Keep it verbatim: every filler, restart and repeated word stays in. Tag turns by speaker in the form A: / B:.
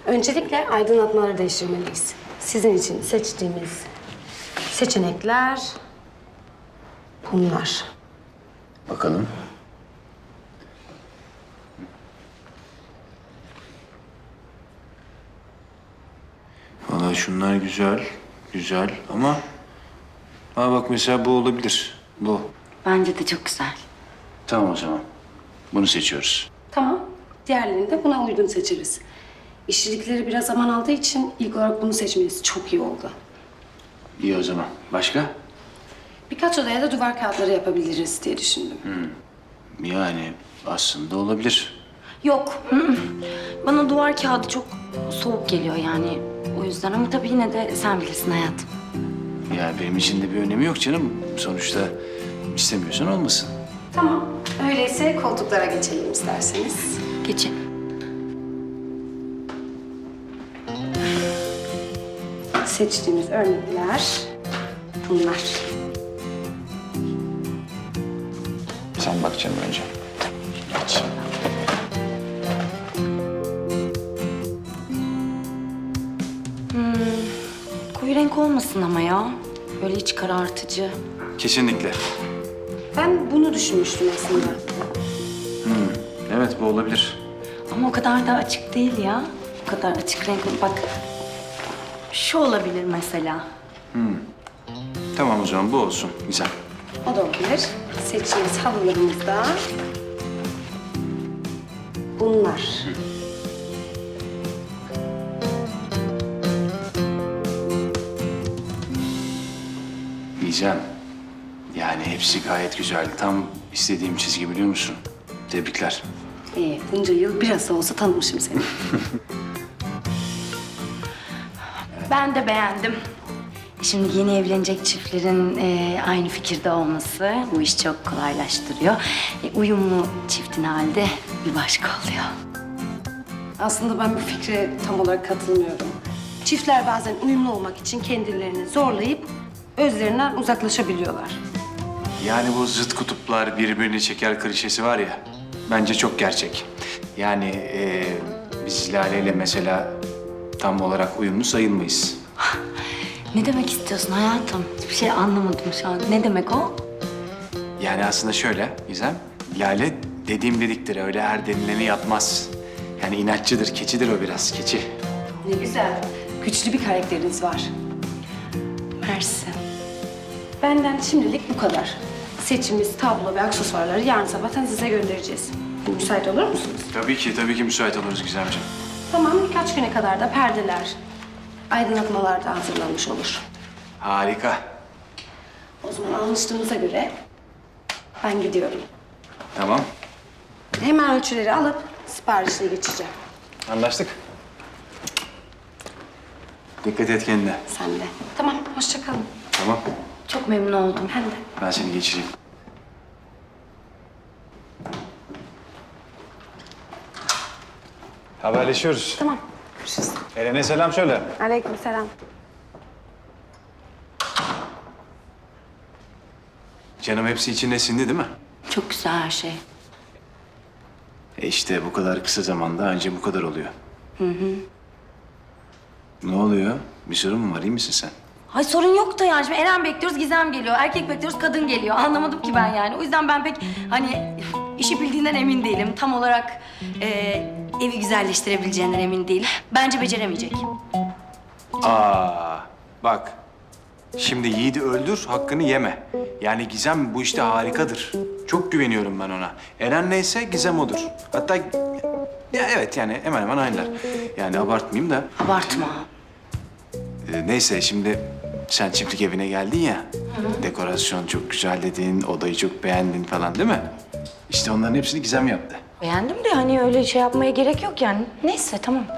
A: Öncelikle aydınlatmaları değiştirmeliyiz. Sizin için seçtiğimiz seçenekler bunlar.
B: Bakalım. Vallahi şunlar güzel, güzel ama... Ha bak mesela bu olabilir, bu.
C: Bence de çok güzel.
B: Tamam o zaman. Bunu seçiyoruz.
A: Tamam. Diğerlerini de buna uygun seçeriz. İşçilikleri biraz zaman aldığı için ilk olarak bunu seçmeniz çok iyi oldu.
B: İyi o zaman. Başka?
A: Birkaç odaya da duvar kağıtları yapabiliriz diye düşündüm.
B: Yani aslında olabilir.
C: Yok. hı hı. Bana duvar kağıdı çok soğuk geliyor yani. O yüzden ama tabii yine de sen bilirsin hayatım.
B: Ya benim için de bir önemi yok canım. Sonuçta istemiyorsan olmasın.
A: Tamam. Öyleyse koltuklara geçelim isterseniz.
C: Geçin.
A: Seçtiğimiz örnekler bunlar.
B: Sen bak canım önce. Geç.
C: Koyu renk olmasın ama ya. Böyle iç karartıcı.
B: Kesinlikle.
A: Ben bunu düşünmüştüm aslında.
B: Evet bu olabilir.
C: Ama o kadar da açık değil ya. O kadar açık renk. Bak. Şu olabilir mesela.
B: Tamam o zaman bu olsun. Güzel.
A: O da olabilir. Seçtiğimiz halılarımız da bunlar.
B: Diyeceğim. Yani hepsi gayet güzel. Tam istediğim çizgi biliyor musun? Tebrikler.
A: Ee, bunca yıl biraz da olsa tanımışım seni.
C: Ben de beğendim. Şimdi yeni evlenecek çiftlerin e, aynı fikirde olması bu işi çok kolaylaştırıyor. E, uyumlu çiftin halde bir başka oluyor.
A: Aslında ben bu fikre tam olarak katılmıyorum. Çiftler bazen uyumlu olmak için kendilerini zorlayıp özlerinden uzaklaşabiliyorlar.
B: Yani bu zıt kutuplar birbirini çeker klişesi var ya. Bence çok gerçek. Yani e, biz Lale ile mesela tam olarak uyumlu sayılmayız.
C: Ne demek istiyorsun hayatım? Hiçbir şey anlamadım şu an. Ne demek o?
B: Yani aslında şöyle Gizem, Lale dediğim dediktir. Öyle her denileni yapmaz. Yani inatçıdır, keçidir o biraz, keçi.
A: Ne güzel. Güçlü bir karakteriniz var.
C: Mersi.
A: Benden şimdilik bu kadar. Seçimiz, tablo ve aksesuarları yarın sabahtan size göndereceğiz. Müsait olur musunuz?
B: Tabii ki, tabii ki müsait oluruz Gizemciğim.
A: Tamam, birkaç güne kadar da perdeler, aydınlatmalar da hazırlanmış olur.
B: Harika.
A: O zaman anlaştığımıza göre ben gidiyorum.
B: Tamam,
A: Hemen ölçüleri alıp siparişle geçeceğim.
B: anlaştık. Dikkat et kendine.
A: Sen de. Tamam, hoşça kalın.
B: Tamam,
C: Çok memnun oldum.
A: Ben de.
B: ben seni geçireyim.
D: Haberleşiyoruz.
A: Tamam, görüşürüz.
D: Eren'e selam söyle.
A: Aleykümselam.
B: Canım hepsi içine sindi değil mi?
C: Çok güzel her şey.
B: E işte bu kadar kısa zamanda anca bu kadar oluyor. Hı hı. Ne oluyor? Bir sorun mu var? İyi misin sen?
C: Hay sorun yok da yani. Şimdi Eren bekliyoruz, Gizem geliyor. Erkek bekliyoruz, kadın geliyor. Anlamadım ki ben yani. O yüzden ben pek hani işi bildiğinden emin değilim. Tam olarak e, evi güzelleştirebileceğinden emin değilim. Bence beceremeyecek.
B: Aa, bak. Şimdi Yiğit'i öldür, hakkını yeme. Yani Gizem bu işte harikadır. Çok güveniyorum ben ona. Eren neyse Gizem odur. Hatta ya evet yani hemen hemen aynılar. Yani abartmayayım da.
C: Abartma.
B: e, neyse şimdi sen çiftlik evine geldin ya. Dekorasyon çok güzel dedin, odayı çok beğendin falan değil mi? İşte onların hepsini Gizem yaptı.
C: Beğendim de hani öyle şey yapmaya gerek yok yani. Neyse tamam.